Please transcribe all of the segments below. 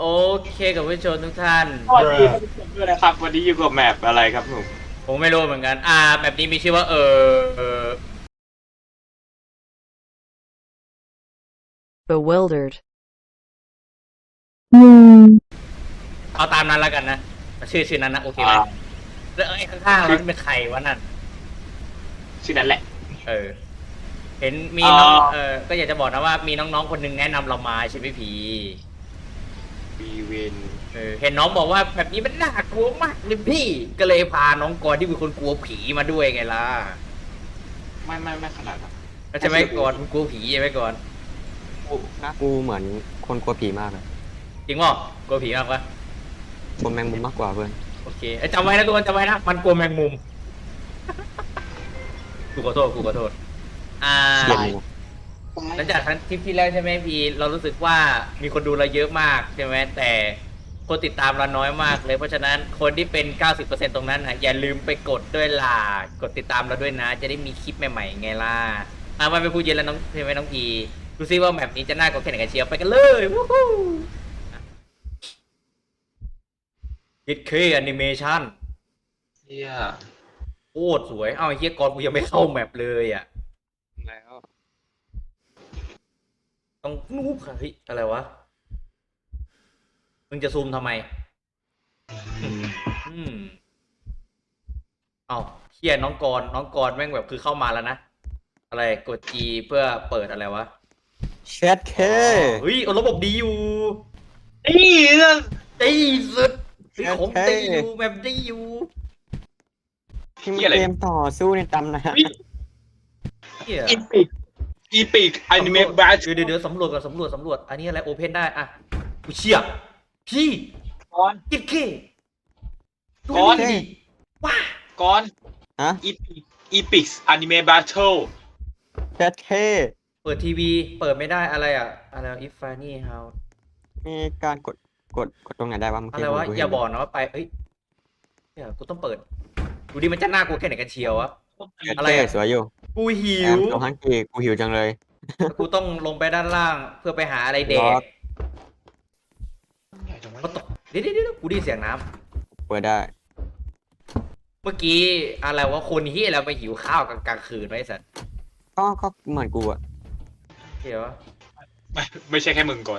โอเคกับผู้ชมทุกท่านสวัสดีท่านผู้ชมด้วยนะครับวันนี้อยู่กับแมปอะไรครับผมผมไม่รู้เหมือนกันแบบนี้มีชื่อว่า bewildered, เอาตามนั้นแล้วกันนะชื่อนั้นนะโอเคไหมแล้วไอ้ข้างๆแล้วเป็นใครวะนั่นชื่อนั้นแหละเออเห็นมีน้องอ่าก็อยากจะบอกนะว่ามีน้องๆคนหนึงแนะนำเรามาใช่ไหมผีบีเวนเห็นน้องบอกว่าแบบนี้มันน่ากลัวมากเลยพี่ก็เลยพาน้องกรที่เป็นคนกลัวผีมาด้วยไงล่ะไม่ขนาดนั้นแล้วใช่ไหมกรมึงกลัวผีใช่ไหมกรกูเหมือนคนกลัวผีมากเลยจริงป่ะกลัวผีมากปะกลัวแมงมุมมากกว่าเพื่อนโอเคจำไว้นะทุกคนจำไว้นะมันกลัวแมงมุมกูขอโทษอ่าเกลียดงูหลังจากครั้งทริปที่แล้วใช่ไหมพี่เรารู้สึกว่ามีคนดูเราเยอะมากใช่ไหมแต่คนติดตามเราน้อยมากเลยเพราะฉะนั้นคนที่เป็น 90%ตรงนั้นนะอย่าลืมไปกดด้วยล่ะกดติดตามเราด้วยนะจะได้มีคลิปใหม่ๆไงล่ะมาเป็นผู้เย็นแล้วน้องใช่ไหมน้องพีดูซิว่าแมปนี้จะน่ากลัวแค่ไหนกันเชียวไปกันเลยวู้ฮู้คิดเคแอนิเมชันเฮียโคตรสวยไอ้เฮียกอนกูยังไม่เข้าแมปเลยอ่ะแล้วต้องนูบค่ะเฮ้ยอะไรวะมึงจะซูมทำไมอืมเอาเฮียน้องกรแม่งแบบคือเข้ามาแล้วนะอะไรกด G เพื่อเปิดอะไรวะเชดเคเฮ้ยระบบดีอยู่นี่นั่นดีสุดของดีอยู่แบบดีอยู่ที่มันเกมต่อสู้ในตำนานเฮียอีปิกอนิเมะบาชเดี๋ยวสำรวจก่อนสำรวจอันนี้อะไรโอเพนได้อ่ะกูเชี่ยพี่ก้อนกิ๊กเก้ดูก้อนนี่ดิว้าก้อนฮะอีปิกอนิเมะบาชลเชดเคเปิดทีวีเปิดไม่ได้อะไรอ่ะอะไร if funny how มีการกดตรงไหนได้วะเมื่ออะกี้ไรวะกูอย่าเห็นบอกนะว่าไปเอ้ยเดี๋ยวกูต้องเปิดดูดิมันจะน่ากลัวแค่ไหนกันเชียววะเชดอะไรเคอะสวยอยู่กูหิแอมวโจฮันกีกูหิวจังเลยกูต้องลงไปด้านล่างเพื่อไปหาอะไรแดรอกใหญ่จังวะก็ตกเดี๋ยวกูได้ยินเสียงน้เปิดได้ำเมื่อกี้อะไรวะคนที่เราไปหิวข้าวกลางคืนไว้สัตว์ก็เหมือนกูอะเดี๋ยวไม่ใช่แค่มึงก่อน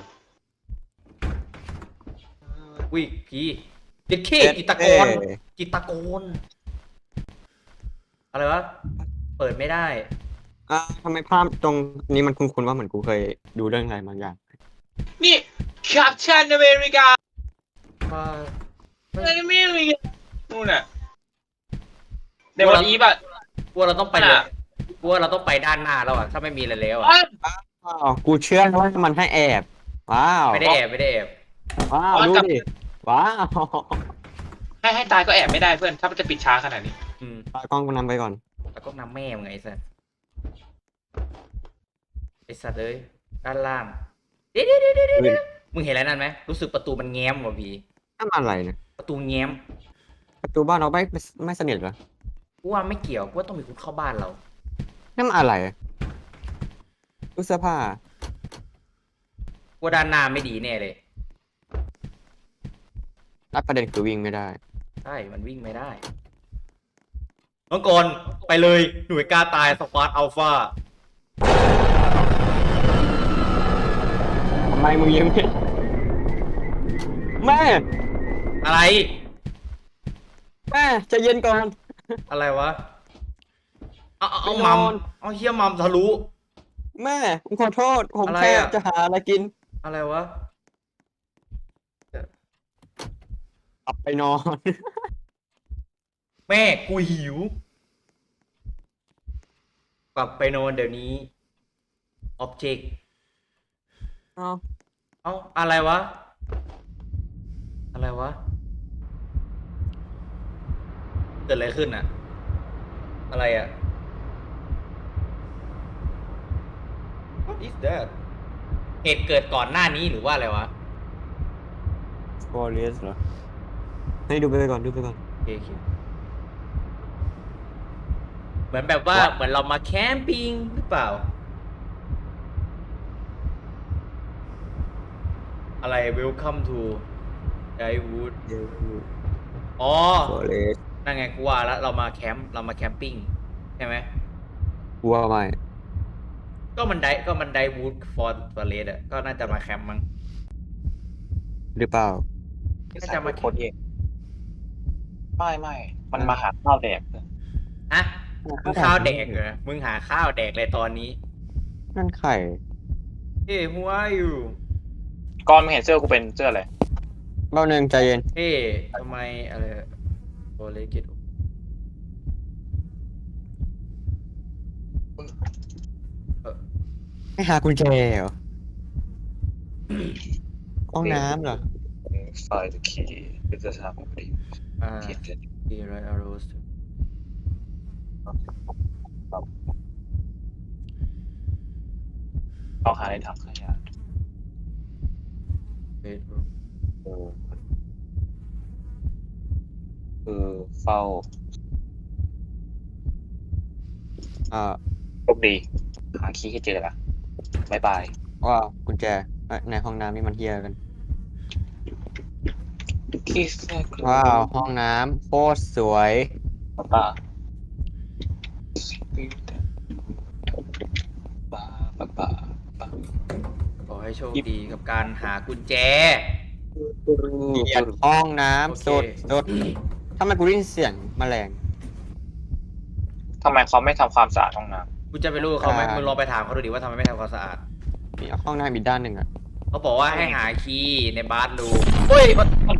วิพี่เด็กเคจิตรกรจิตรกรอะไรวะเปิดไม่ได้ทำไมภาพตรงนี้มันคุ้นๆว่าเหมือนกูเคยดูเรื่องอะไรบางอย่างนี่แคปชั่นอเมริกาว่าอนิเมะอเมริกานู่นน่ะในวันอีฟอ่ะกูว่าเราต้องไปเลยกูว่าเราต้องไปด้านหน้าแล้วอ่ะถ้าไม่มีอะไรแล้วอ่ะว้าวกูเชื่อว่ามันให้แอบว้าวไม่ได้แอบว้าวดูดิว้าวให้ตายก็แอบไม่ได้เพื่อนถ้ามันจะปิดช้าขนาดนี้ตากล้องกูนำไปก่อนแล้วก็นำแม่มึงไงไอ้สัสเลยด้านล่างเดี๋ยวมึงเห็นอะไรนั่นไหมรู้สึกประตูมันแง้มว่ะพี่นั่นมันอะไรเนี่ยประตูแง้มประตูบ้านเราไม่สนิทเหรอกูว่าไม่เกี่ยวกูว่าต้องมีคนเข้าบ้านเรานั่นมันอะไรตู้เสื้อผ้ากูว่าด้านหน้าไม่ดีแน่เลยแล้วประเด็นคือวิ่งไม่ได้ใช่มันวิ่งไม่ได้น้องกรไปเลยหน่วยกล้าตายสควอตอัลฟาทำไมมึงยิ้มเนี่ยแม่อะไรแม่ใจะเย็นก่อนอะไรวะเอาไปนมัอมนเอาเฮียมัมทะลุแม่ผมขอโทษ ผมอะไรแค่อะจะหาอะไรกินอะไรวะกลับไปนอนแม่กูหิว กลับไปนอนเดี๋ยวนี้ object เอาเอาอะไรวะ อะไรวะ เกิดอะไรขึ้นอะอะไรอะ What is that เหตุเกิดก่อนหน้านี้หรือว่าอะไรวะฟอเรสเหรอให้ดูไปก่อนดูไปก่อนโอเคเหมือนแบบว่าเหมือนเรามาแคมปิ้งหรือเปล่าอะไร Welcome to Drywood เดี๋ยวอ๋อ forest นั่นไงกูว่าแล้วเรามาแคมป์เรามาแคมปิ้งใช่ไหมกลัวไหมก็มันไดวูดฟอร์เรสอะก็น่าจะมาแคมป์มั้งหรือเปล่าน่าจะมาโคตรเองไม่มันมาหาข้าวแดกฮะมึงข้าวแดกเหรอมึงหาข้าวแดกเลยตอนนี้นั่นไข่เฮ้ย who are you ก่อนมึงเห็นเสื้อกูเป็นเสื้ออะไรเบ้าหนึ่งใจเย็นเฮ้ยทำไมอะไรโอเลกิตไม่หากุญแจเหรอห้องน้ำเหรอไฟล์คีย์เป็นจะทำพอดีอ่าเขียนเสร็จดีไรอาร์โรสเอาหาในถังขยะเบดรูมคือเฝ้า โชคดีหาคีย์ให้เจอละบายบายว่ากุญแจในห้องน้ำนี่มันเฮียกันคีย์ว้าว ห้องน้ำโคตรสวยป้าป้าขอให้โชคดีกับการหากุญแจห้องโอน้ำเคสดทำไมกูได้ยินเสียงแมลงทำไมเขาไม่ทำความสะอาดห้องน้กูจะไปรู้เขาไหมอ่ามึมึงลองไปถามเขาดูดิว่าทำไมไม่ทำความสะอาดมีห้องน้ำอีกด้านหนึ่งอ่ะเขาบอกว่าให้หาคีย์ในบาร์รูมเฮ้ย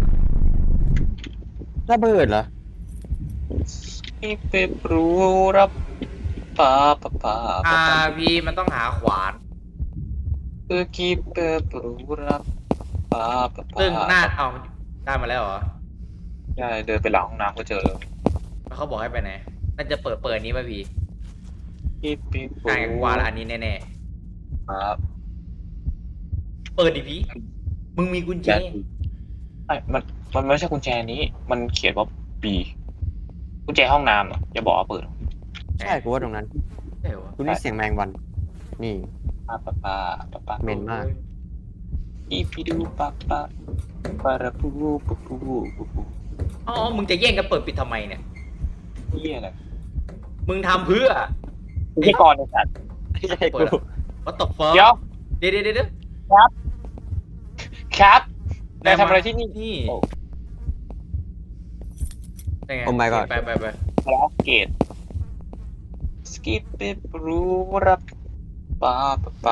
ระเบิดเหรอำคีย์เปปรูรับป้าพี่มันต้องหาขวานคือคีย์เปปรูรับป้าซึ่งหน้าเอาได้มาแล้วเหรอใช่เดินไปหลังห้องน้ำก็เจอแล้วแล้วเขาบอกให้ไปไหนน่าจะเปิดนี้ป่ะพี่คีย์เปปรูใช่กูว่าแล้วอันนี้แน่ครับๆเปิดดิพี่มึงมีกุญแจมันไม่ใช่กุญแจนี้ มันเขียนว่า B กุญแจห้องน้ำอ่ะอย่าบอกว่าเปิดใช่กูว่าตรงนั้นใช่เหรอกูได้เสียงแมงวัน นี่ป้าเหม็นมากอีพีดูป้าปาราปูปูอ๋อมึงจะแย่งกันเปิดปิดทำไมเนี่ยนี่อะไรมึงทำเพื่อพี่กรณ์ในสัตว์ไม่ใช่เปิกูดวัตถุเฟิร์เดี๋ยวเดี๋ยวครับนายทำอะไรที่นี่นี่โอ้ได้ไงโอ้ my god ไปแล้วเกตสกิปเปรูรับป้า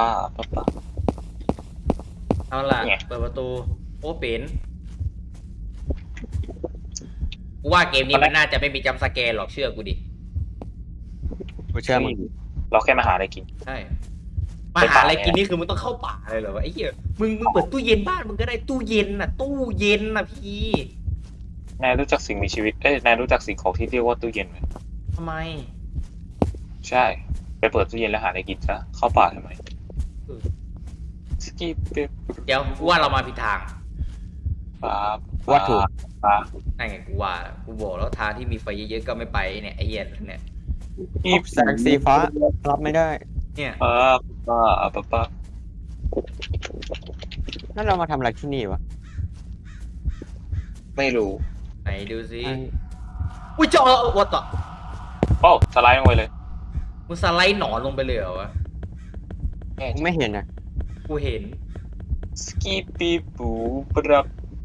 เอาล่ะไงเปิดประตูโอ้เป็นกูว่าเกมนี้มันน่าจะไม่มีจัมป์สแกร์หรอกเชื่อกูดิกูเชื่อมึงเราแค่มาหาอะไรกินใช่มาหาอะไรกินนี่คือมึงต้องเข้าป่าเลยเหรอวะไอ้เหี้ยมึงเปิดตู้เย็นบ้านมึงก็ได้ตู้เย็นน่ะพี่นายรู้จักสิ่งมีชีวิตนายรู้จักสิ่งของที่เรียกว่าตู้เย็นไหมทำไมใช่ ไปเปิดตู้เย็นแล้วหาอะไรกินซะเข้าป่าทำไมสกิปเปเดี๋ยวกูว่าเรามาผิดทางป้าว่าถูกป้านั่นไงกูว่ากูบอกแล้วทางที่มีไฟเยอะๆก็ไม่ไปเนี่ยไอ้เหี้ยเนี่ยแสงสีฟ้ารับไม่ได้เนี่ยป้านั่นเรามาทำอะไรที่นี่วะไม่รู้ไหนดูสิอุ้ยเจ้าวัดต่อโอ้สไลด์ลงไปเลยมึงสไลด์หนอนลงไปเลยเหรอวะกูไม่เห็นนะกูเห็นสกิปปีปูปรับ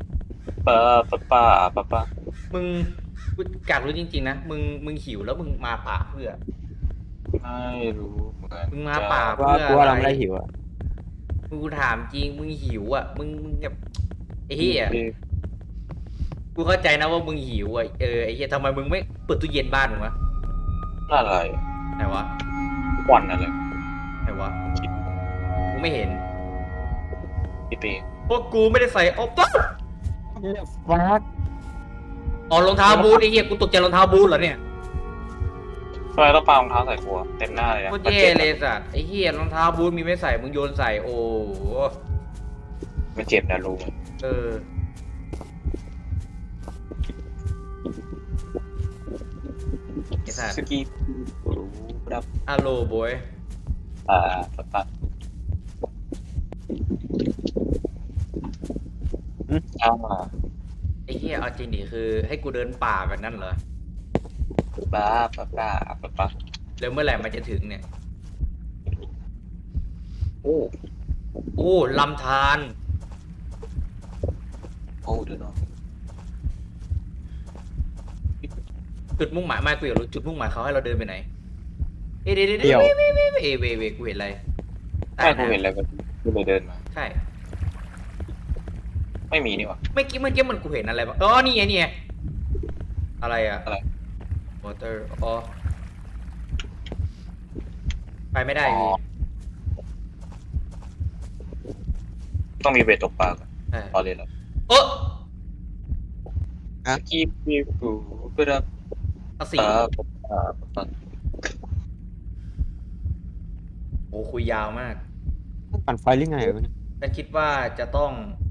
ป้ามึงกูอยากรู้จริงๆนะมึงหิวแล้วมึงมาป่าเพื่อไม่รู้เหมือนกันมึงมาป่าว่ากูว่าเราไม่ได้หิวอ่ะกูถามจริงมึงหิวอ่ะมึงแบบไอ้เหี้ยกูเข้าใจนะว่ามึงหิวอ่ะไอ้เหี้ยทำไมมึงไม่เปิดตู้เย็นบ้านมึงวะอะไรไหนวะควันอะไรไหนวะกูไม่เห็นพี่เป้เพราะกูไม่ได้ใส่อ๋อฟักอ๋อรองเท้าบูทไอ้เหี้ยกูตกใจรองเท้าบูทเหรอเนี่ยทำไมต้องปารองเท้าใส่ครัวเต็มหน้าเลยนะโคตรแย่เลยสัตว์ไอ้เหี้ยรองเท้าบูทมีไม่ใส่มึงโยนใส่โอ้โหมันเจ็บนะรู้ไหมเออไอ้สัตว์สกิปปูปรับฮัลโหลบอยป้าอ่าไอ้เหี้ยเอาจริงดิคือให้กูเดินป่าแบบนั้นเหรอป้าป้าป้าป้าป้าแล้วเมื่อไหร่มันจะถึงเนี่ยโอ้โอ้ลำธารโอ้เดี๋ยวนะจุดมุ่งหมายไม่กูอยากรู้จุดมุ่งหมายเขาให้เราเดินไปไหนเอ้ยเดี๋ยวเดี๋ยวเวกูเห็นอะไรใช่กูเห็นอะไรแบบกูเลยเดินมาใช่ไม่มีนี่หว่าเมื่อกี้มันกูเห็นอะไรบ้างอ๋อนี่ไงนี่ไงอะไรอะอะไร water อ๋อไปไม่ได้อ๋อพี่ต้องมีเบ็ดตกปลาก่อนใช่พอเลยแล้วเออกีบปีปูเพื่อเอาสีป้าป้าป้าโอ้คุยยาวมากปั่นไฟหรือไงวะเนี่ยฉันคิดว่าจะต้อง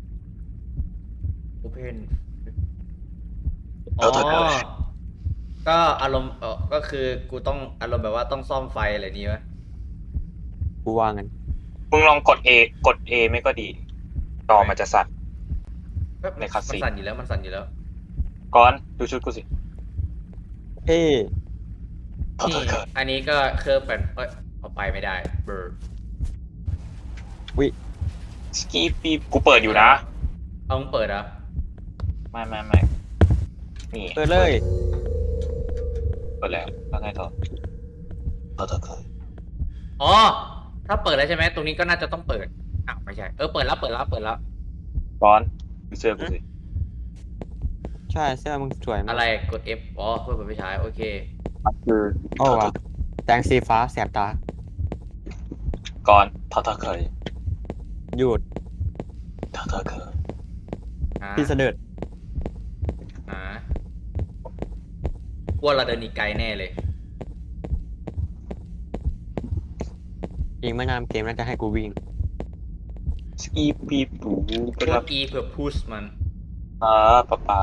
open อ๋อ ก็อารมณ์ก็คือกูต้องอารมณ์แบบว่าต้องซ่อมไฟอะไรนี้วะกูวางกันมึงลองกด กด ไม่ก็ดีจอมันจะสั่น ในมัน cutscene สั่นอยู่แล้วมันสั่นอยู่แล้วก่อนดูชุดกูสิเอ้ยนี่อันนี้ก็เครื่องเป็นเอาไปไม่ได้เบอร์สกีปีกูเปิดอยู่นะเอามึงเปิดเหรอ่ะไม่นี่เปิดเลยเปิดแล้วแล้วไงต่อต่อเคยอ๋อถ้าเปิดแล้วใช่ไหมตรงนี้ก็น่าจะต้องเปิดอ้าวไม่ใช่เปิดแล้วเปิดแล้วเปิดแล้วก่อนดูเสื้อกูสิใช่เสื้อมึงสวยมากอะไรกด F อ๋อเพื่อเปิดไฟฉายโอเคมันคือโอ้ว่ะแสงสีฟ้าแสบตาก่อนเคยหยุดเคยพี่เสด็จว่าเราเดินอีกไกลแน่เลยอีกไม่นานเกมน่าจะให้กูวิ่งสกีปีปูกเพื่อด E เพื่อ push มันป้า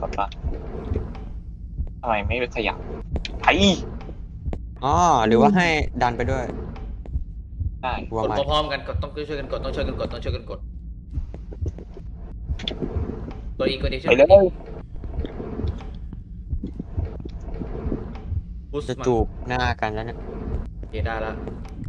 ทำไมไม่ขยับไอ้อ๋อหรือว่าให้ดันไปด้วยได้กลัวกดไหมพร้อมๆกันกดต้องช่วยกันกดต้องช่วยกันกดต้องช่วยกันกดตัว E กด E ช่วยไปกันเลย push จะมันจูบหน้ากันแล้วเนี่ยโอเคได้ละ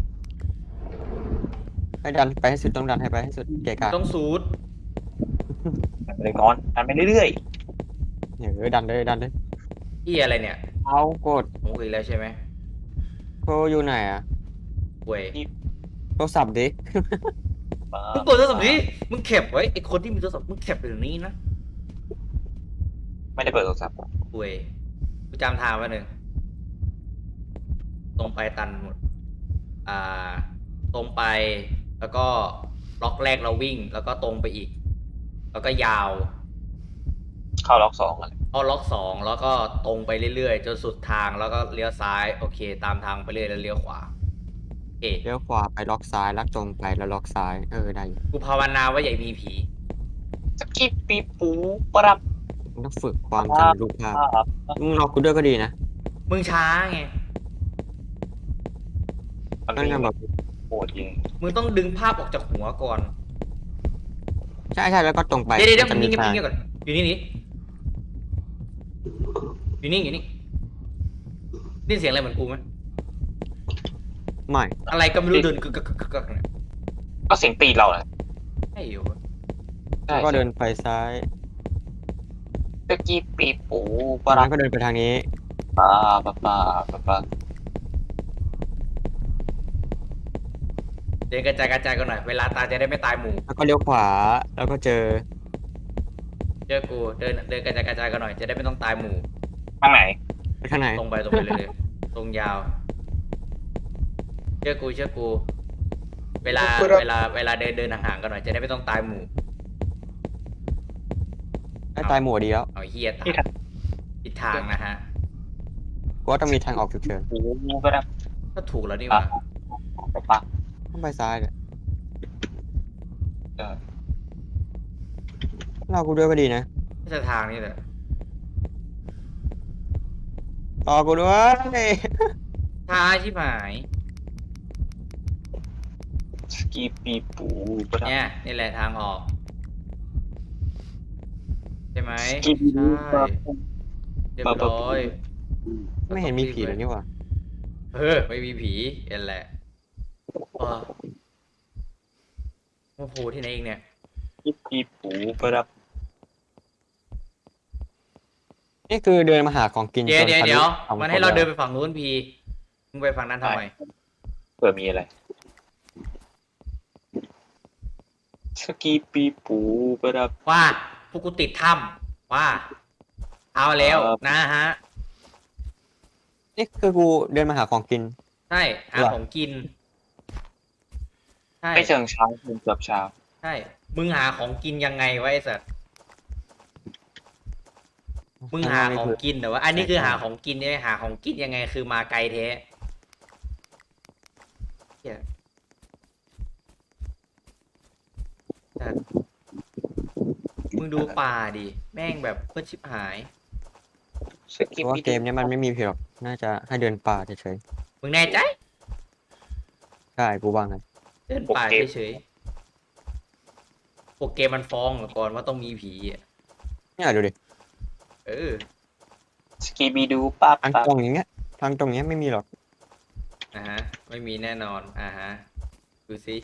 ให้ดันไปให้สุดต้องดันให้ไปให้สุดเกะกะต้องสูดเลยนอนทำไปเรื่อยดันเลยดันเลยที่อะไรเนี่ยเอากดผมคุยแล้วใช่ไหมโทรอยู่ไหนอะเว้ยโทรศัพท์ดิๆมึงเปิดโทรศัพท์ดิมึงแคปไว้ไอคนที่มีโทรศัพท์มึงแคปเดี๋ยวนี้นะไม่ได้เปิดโทรศัพท์เว้ยกูจำทางไว้หนึ่งตรงไปตันหมดตรงไปแล้วก็ล็อกแรกเราวิ่งแล้วก็ตรงไปอีก แล้วก็ยาวเข้าล็อก2อะไรเอาล็อกสองแล้วก็ตรงไปเรื่อยๆจนสุดทางแล้วก็เลี้ยวซ้ายโอเค ตามทางไปเรื่อยแล้วเลี้ยวขวาโอเคเลี้ยวขวาไปล็อกซ้ายแล้วตรงไปแล้วล็อกซ้ายได้อยู่กูภาวนาว่าอย่ามีผีสกีปีปูปรับมันต้องฝึกความจำรูปภาพมึงรอกูด้วยก็ดีนะมึงช้าไงมันนั่นมีไงแบบโหดยิงมึงต้องดึงภาพออกจากหัวก่อนใช่แล้วก็ตรงไปเดี๋ยวมัมึงจะนิ่งทางๆก่อนอยู่นี่อยู่นี่ได้ยินเสียงอะไรเหมือนกูไหมไม่อะไรก็ไม่รู้เดินกึกเนี่ยก็เสียงตีนเราแหละไอ้อยู่แล้วก็เดินไปซ้ายสกีปีปูปตอนรันั้บนก็เดินไปทางนี้ป้าเดินกระจายกันหน่อยเวลาตายจะได้ไม่ตายหมู่แล้วก็เลี้ยวขวาแล้วก็เจอเจอกูเดินกระจายกันหน่อยจะได้ไม่ต้องตายหมู่ทางไหนไปข้างไหนตรงไปเลยตรงยาว เชื่อกู เวลาเดินห่างๆกันหน่อยจะได้ไม่ต้องตายหมู่ได้ตายหมู่ดีแล้วเอาเฮียตายผิดทางนะฮะกูว่าต้องมีทางออกฉุกเฉินปูปรับก็ถูกแล้วนี่หว่าป้าต้องไปซ้ายเนี่ยเออรอกูด้วยก็ดีนะไม่ใช่ทางนี่แหละรอกูด้วยช้าชิบหายสกีปีปูปรับเนี่ยนี่แหละทางออกไหมกินใช่ เรียบร้อยไม่เห็นมีผีเลยนี่หว่าไม่มีผีเอ็นแหละว้าโอ้โหที่ไหนเองเนี่ยกินปีปูประดับนี่คือเดินมาหาของกินเดี๋ยวจนเดี๋ยวทะลุเดี๋ยวฝั่งมันให้เราคนเดินแล้วไปฝั่งนู้นพีมึงไปฝั่งนั้นทำไมเผื่อมีอะไรสกีปีปูประดับว่าพวกกูติดถ้ำว่าเอาแล้วครับนะฮะนี่คือกูเดินมาหาของกินใช่หาเหรอของกิน ใช่ไม่เชิงเช้าเกือบเช้าใช่มึงหาของกินยังไงวะไอ้สัตว์มึงหาของกินแต่ว่า อันนี้คือหาของกินใช่ไหมหาของกินยังไงคือมาไกลแท้เหี้ยสัตว์มึงดูป่าดิแม่งแบบเพื่อชิบหายสกีเพราะว่าปีเกมเนี้ยมันไม่มีผีหรอกน่าจะให้เดินป่าเฉยมึงแน่ใจๆใช่กูว่างั้นเดินป่าเฉยๆโปรเกมมันฟ้องก่อนว่าต้องมีผีอ่ะเนี่ยดูดิเออสกีบีดูปั๊บทางปั๊บตรงอย่างเงี้ยทางตรงเนี้ยไม่มีหรอกไม่มีแน่นอนดูสิ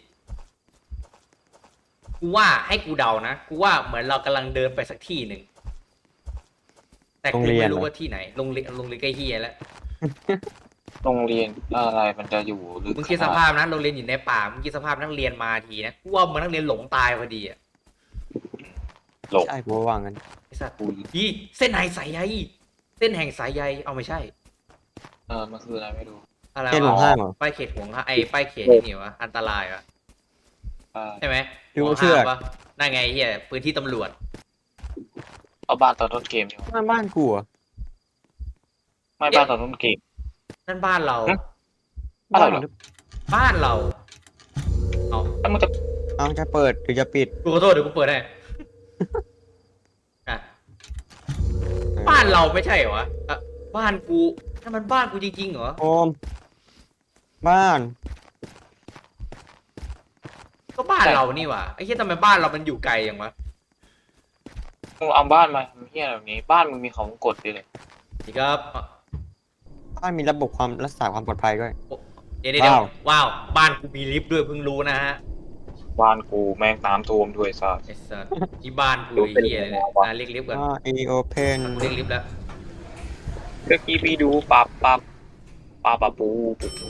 กูว่าให้กูเดานะกูว่าเหมือนเรากำลังเดินไปสักที่หนึ่งแต่กูไม่รู้ว่าที่ไหนโรงเรียนใกล้เฮียแล้วโรงเรียนอะไรมันจะอยู่หรือมึงคิดสภาพนะโรงเรียนอยู่ในป่ามึงคิดสภาพนักเรียนมาทีนะกูว่ามันนักเรียนหลงตายพอดีอ่ะหลงใช่กูว่างั้นไอ้สัตว์ยี่เส้นไหนสายใยเส้นแห่งสายใยเอาไม่ใช่มันคืออะไรไม่รู้อะไรเส้นหลงห้างเหรอป้ายเขตห่วงห้างป้ายเขตนี่วะอันตรายวะ ใช่ไหมดูเชือกห่วงห้ามปะนั่นไงเฮียพื้นที่ตำรวจเอาบ้านตอนต้นเกมดีกว่าบ้านกูเหรอไม่บ้านตอนต้นเกมนั่นบ้านเราฮะ บ้านเราเหรอบ้านเรา เอาแล้วมันจะเอาจะเปิดหรือจะปิดกูขอโทษเดี๋ยวกูเปิดให้ อ่ะบ้านเราไม่ใช่เหรอวะอ่ะบ้านกูนั่นมันบ้านกูจริงๆเหรอโอมบ้านก็บ้านเรานี่หว่าไอ้เหี้ยทำไมบ้านเรามันอยู่ไกลอย่างวะมึงเอาบ้านมาทำเฮียแบบนี้ บ้านมึงมีของกดด้วยเลยนี่ครับอ่ะบ้านมีระบบความรักษาความปลอดภัยด้วยเดี๋ยวว้าว บ้านกูมีลิฟต์ด้วยเพิ่งรู้นะฮะบ้านกูแม่งน้ำท่วมด้วยซะไอ้สัสที่บ้านกูไอ้เหี้ยเลยเนี่ยเรียกลิฟต์ก่อนอีโอเพนกูเรียกลิฟต์แล้วสกีบีดูปั๊บปั๊บปั๊บปั๊บปูปูปู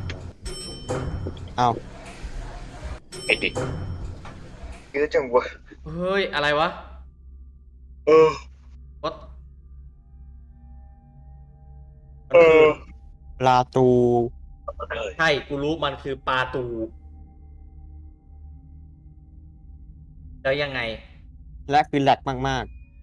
เอาไอเด็กเยอะจังวะเฮ้ยอะไรวะ What ลาตูใช่กูรู้มันคือปลาตู แล้วยังไงและคือแหลกมาก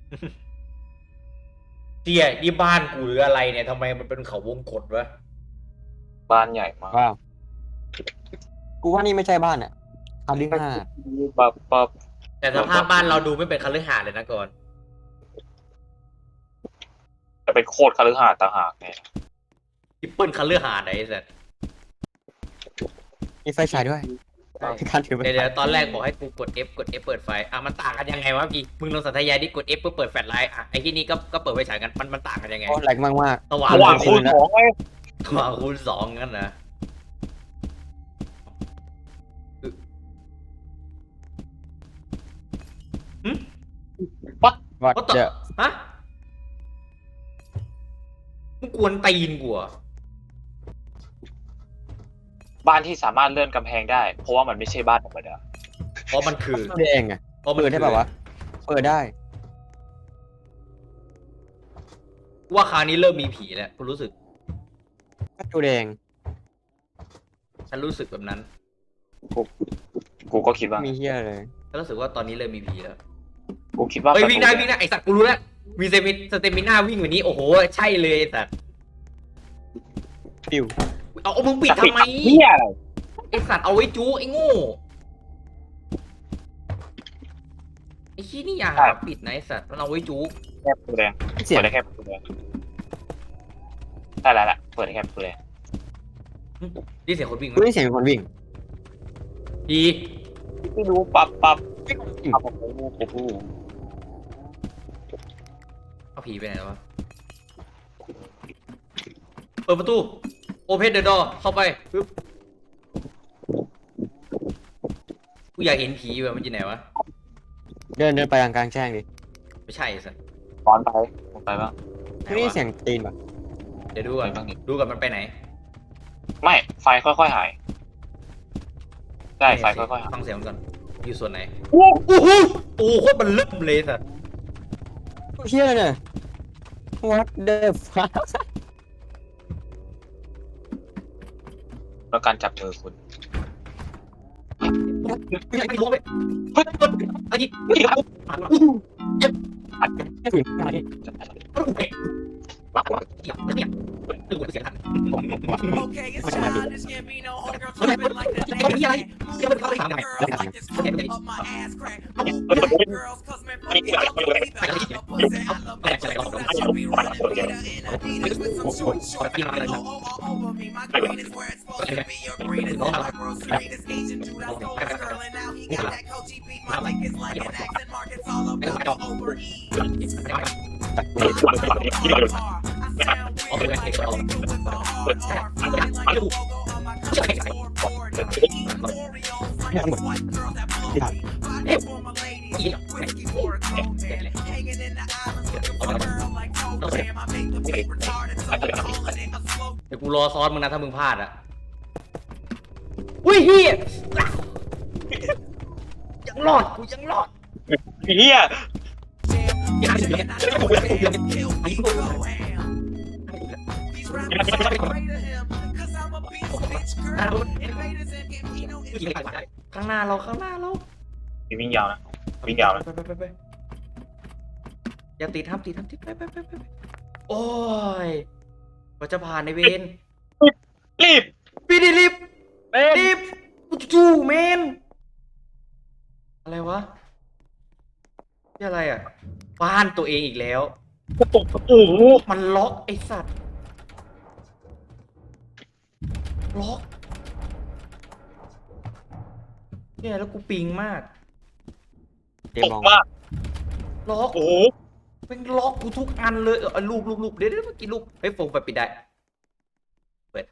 เจี๊ยนี่บ้านกูหรืออะไรเนี่ยทำไมมันเป็นเขาวงกตวะบ้านใหญ่มากๆว้าวกูว่านี่ไม่ใช่บ้านอ่ะคาลิฮาสน์ปั๊บปั๊บแต่สภาพบ้านเราดูไม่เป็นคฤหาสน์เลยนะก่อนจะเป็นโคตรคฤหาสน์ต่างหากเนี่ยทิปเปิลคฤหาสน์ไหนไอ้สัสมีไฟฉายด้วยการถือไฟเดี๋ยวฉายตอนแรกบอกให้กูกด F เปิดไฟมันต่างกันยังไงวะพี่มึงลองสัญญาดิกด F เพื่อเปิดแฟลชไลท์ไอ้ที่นี่ก็เปิดไฟฉายกันมันต่างกันยังไงโอ้แหลกมากสว่างระหว่างคูณสองไงสว่างคูณสองงั้นนะๆวัด What the- เจอฮะมึงกวนตีนกูเหรอบ้านที่สามารถเลื่อนกำแพงได้ เพราะว่ามันไม่ใช่บ้านธรรมดาเพราะมันคือตัวแดงอ่ะเพราะมันเปิดได้ป่าวะเปิดได้ว่าคราวนี้เริ่มมีผีแล้วกูรู้สึกก็ตัวแดงฉันรู้สึกแบบนั้นกูก็คิดว่ามีเฮียเลยฉันรู้สึกว่าตอนนี้เริ่มมีผีแล้วกูคิดว่าเฮ้ยวิ่งได้ไอสัตว์กูรู้แล้วมีสเตมิน่าวิ่งแบบนี้โอ้โหใช่เลยไอสัตว์ปิวเอามึงปิดทำไมเฮียอะไรไอสัตว์เอาไว้จู้ไอ้โง่ไอ้ขี้นี่อย่าหาปิดนะไอสัตว์มันเอาไว้จู้แคบตัวแดงเสียเปิงดได้แค่ประตูแดงได้แล้วแหละเปิดได้แค่ประตูแดงนี่เสียงคนวิ่งไหมกูได้ยินเสียงคนวิ่งผีไม่รู้ปั๊บปั๊บวิ่งปั๊บปั๊บปุ๊บปุ๊บผีไปไหนแล้ววะเปิดประตูโอเพนเดอะดอเข้าไปปึ๊บกูอยากเห็นผีแบบมันอยู่ไหนวะเดินไปกลางแจ้งดิไม่ใช่สัสร้อนไปลงไปบ้างไหนไม่ได้วะเสียงตีนป่ะเดี๋ยวดูก่อนไปบ้างดิดูก่อนมันไปไหนไม่ไฟค่อยๆหายใช่ไฟค่อยๆหายฟังเสียงมันก่อนอยู่ส่วนไหนโอ้โอ้โหโอ้โหโคตรมันเริ่มเลยสัสเฮียเลยเนี่ย what the fuck แล้วการจับมือคุณไม่รู้ไปเฮ้ยไอ้ยี่นี่ครับไม่ถึงขนาดนี้เนี่ยดูเสียงทัน Okay, it's time. This can't be no homegirl tripping like the day. Girl like this coming up my ass crack. Girls, cause man, fuck it, I'll be the pussy. I love that I should be running Peter in Adidas with some short all over me. My green is where it's supposed to be. Your green is my grocery. This Asian dude I stole his girl and now he got that Coachy beat. My lick is like an accent mark. It's all about the overeat. I sound weird like a nigga with a hard R. Feeling like the logo on my country's scoreboard. Eating Oreos like these white girls that blow me. Vodka for my ladies, whiskey for a grown man. Hanging in the islands looking for a girl like Toe Jam. I make the beat retarded, so we calling it a slow. เดี๋ยวกูรอซ้อนมึงนะถ้ามึงพลาดอ่ะอุ้ยเฮียยังรอดกูยังรอดเฮีย And I know that kill me go ham. These rappers are afraid of him, cause I'm a beast, bitch girl. Invaders and Gambino is ข้างหน้าเราข้างหน้าเรามีวิ่งยาวนะวิ่งยาวนะไปอย่าติดห้ามติดไปโอ้ยกว่าจะผ่านในเวรรีบพี่ดิรีบเต้นรีบจู้เมนอะไรวะนี่อะไรอ่ะบ้านตัวเองอีกแล้วกระตุกโอ้โหมันล็อกไอ้สัตว์ล็อกเนี่ยแล้วกูปิงมากเจตมกองมากล็อกโอ้โหเป็นล็อกกูทุกอันเลยลูกเดี๋ยวเมื่อกี้ลูกเฮ้ยโฟมไปปิดได้เปิด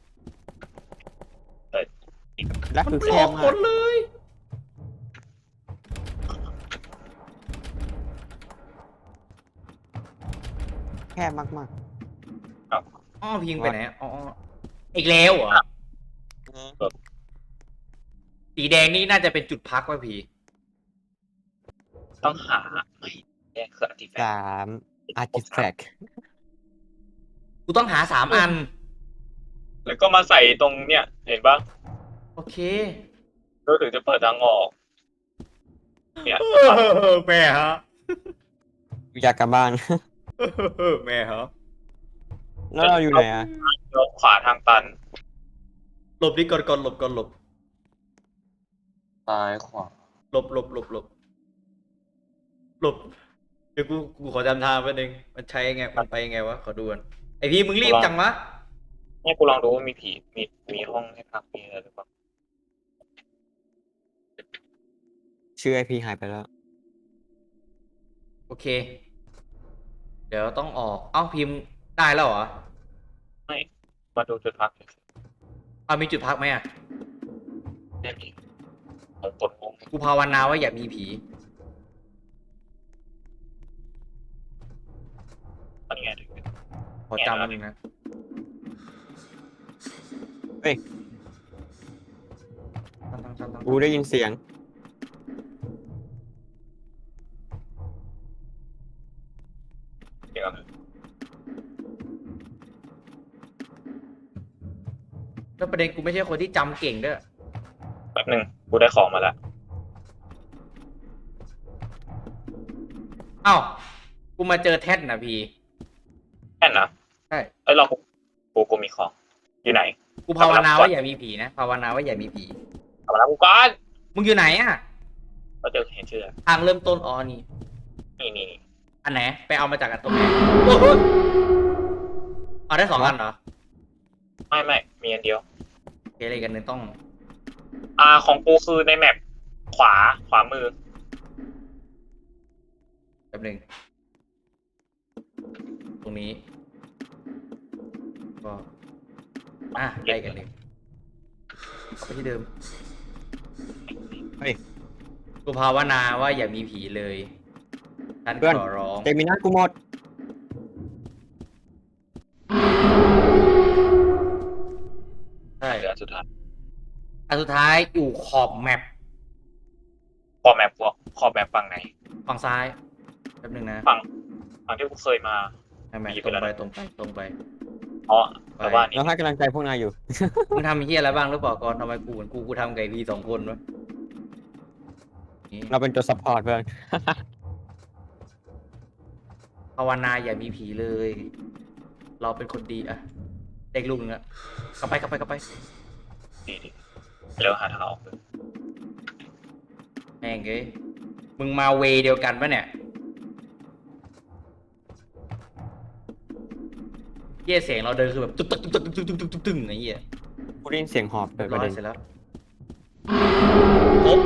แล้วมันคือแคล็อบ กหมมากดเลยแคบมากอ้อพิงไปไหนอ๋ออีกแล้วเหรอสีแดงนี่น่าจะเป็นจุดพักว่ะพี่ต้องหาไม่แย่คืออาร์ติแฟๆกต์ 3 artifact กูต้องหา3 อันแล้วก็มาใส่ตรงเนี่ยเห็นปะโอเคก็ถึงจะเปิดทางออกเนี่ยแม่ฮะอยากกลับบ้านแม่ฮะแล้วเราอยู่ไหนอ่ะแล้วขวาทางตันหลบดิก่อนหลบซ้ายขวาหลบเดี๋ยวกูขอจำทางแป๊บนึงมันใช้ไงมันไปไงวะขอดูก่อนไอพี่มึงรีบจังวะเนี่ยกูลองดูว่ามีผีมีห้องให้พักมีอะไรหรือเปล่าชื่อไอพีหายไปแล้วโอเค เดี๋ยวต้องออกเอ้าพิมพ์ได้แล้วเหรอไม่มาดูจุดพักเอามีจุดพักไหมอ่ะเนี่ยมีผมกดมุมกูภาวนาว่าอย่ามีผีอันนี้ไงขอจำมันงนะเฮ้ยตั้งกูได้ยินเสียงเดี๋ยวแล้วประเด็นกูไม่ใช่คนที่จำเก่งด้วยแป๊บนึงกูได้ของมาแล้วเอ้ากูมาเจอแท่นนะพี่แค่นะใช่เอ้ยลองกูมีของอยู่ไหนกูภาวนาว่าอย่ามีผีนะภาวนาว่าอย่ามีผีเอามาแล้วกูก่อนมึงอยู่ไหนอ่ะเราเจอเห็นชื่อทางเริ่มต้นอ๋อนี่นี่อันไหนไปเอามาจากอันตรงไหนโอ้โหเอาได้2 อันเหรอไม่มีอันเดียวโอเคอะไรกันหนึ่งต้องของกูคือในแมปขวามือแป๊บหนึงตรงนี้ ก็ได้กันเลยไปที่เดิมเฮ้ยกูภาวนาว่าอย่ามีผีเลยฉันเพื่อนขอร้องเจมินากูหมดใช่เหลือสุดท้ายอันสุดท้ายอยู่ขอบแมปขอแมปฝั่งไหนฝั่งซ้ายแป๊บนึงนะฝั่งที่กูเคยมาให้แมปมีตไปรงแล้วไปนะตรงไปตรงไปอ๋อแต่ว่านี่เราให้กำลังใจพวกนายอยู่มึงทำเฮียอะไรบ้างหรือเปล่าก่อนทำไมกูเหมือนกูทำไก่พี2 คนวะนี่เราเป็นตัวซัพพอร์ตเพื่อนภาวนาอย่ามีผีเลย เราเป็นคนดีอะเด็กลูกนึงอะกลับไปดีแล้วหาทางออกเลยแม่งเอ้ยมึงมาเวย์เดียวกันปะเนี่ยเหี้ยเสียงเราเดินคือแบบตึ้งไอ้เหี้ยกูได้ยินเสียงหอบเลยปร้ระอเด็ยนเสร็จแล้วครบ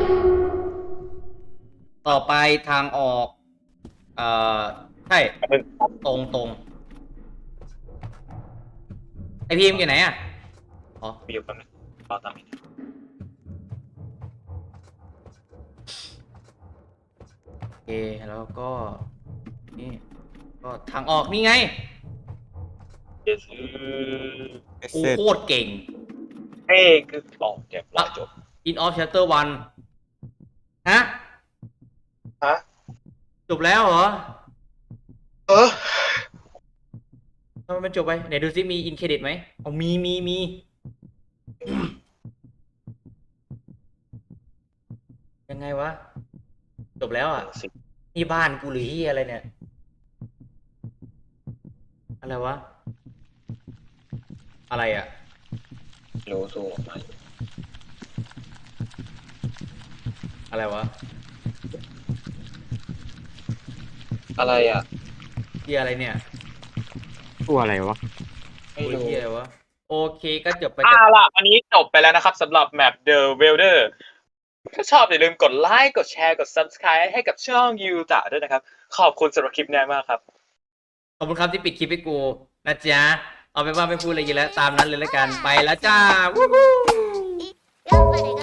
ต่อไปทางออกใช่ตรงไอพีมอยู่ไหนอ่ะอ๋อมีอยู่แป๊บนึงรอตามนี้โอเคแล้วก็นี่ก็ทางออกนี่ไงเดี๋ยวกูเสร็จโคตรเก่งเอ้คืออ๋อเดี๋ยวรอจบ In of Chapter 1ฮะฮะจบแล้วเหรอเออทำไมมันจบไปไหนดูซิมีอินเครดิตไหมอ๋อมียังไงวะ จบแล้วอ่ะ นี่บ้านกูหรือที่อะไรเนี่ย อะไรวะ อะไรอ่ะโลโซมาอะไรวะอะไรอ่ะที่อะไรเนี่ยตัวอะไรวะไม่โอ้ยรู้ที่อะไรวะ โอเคก็จบไปล่ะอันนี้จบไปแล้วนะครับสำหรับแมป The Welder ถ้าชอบอย่าลืมกดไลค์กดแชร์กด Subscribe ให้กับช่องยูตะด้วยนะครับ ขอบคุณสำหรับคลิปนี้มากครับขอบคุณครับที่ปิดคลิปให้กูนะจ๊ะ เอาไปนว่าไม่พูดอะไรเยอะแล้ว ตามนั้นเลยแล้วกัน ไปแล้วจ้า วู้ฮู้頑張れ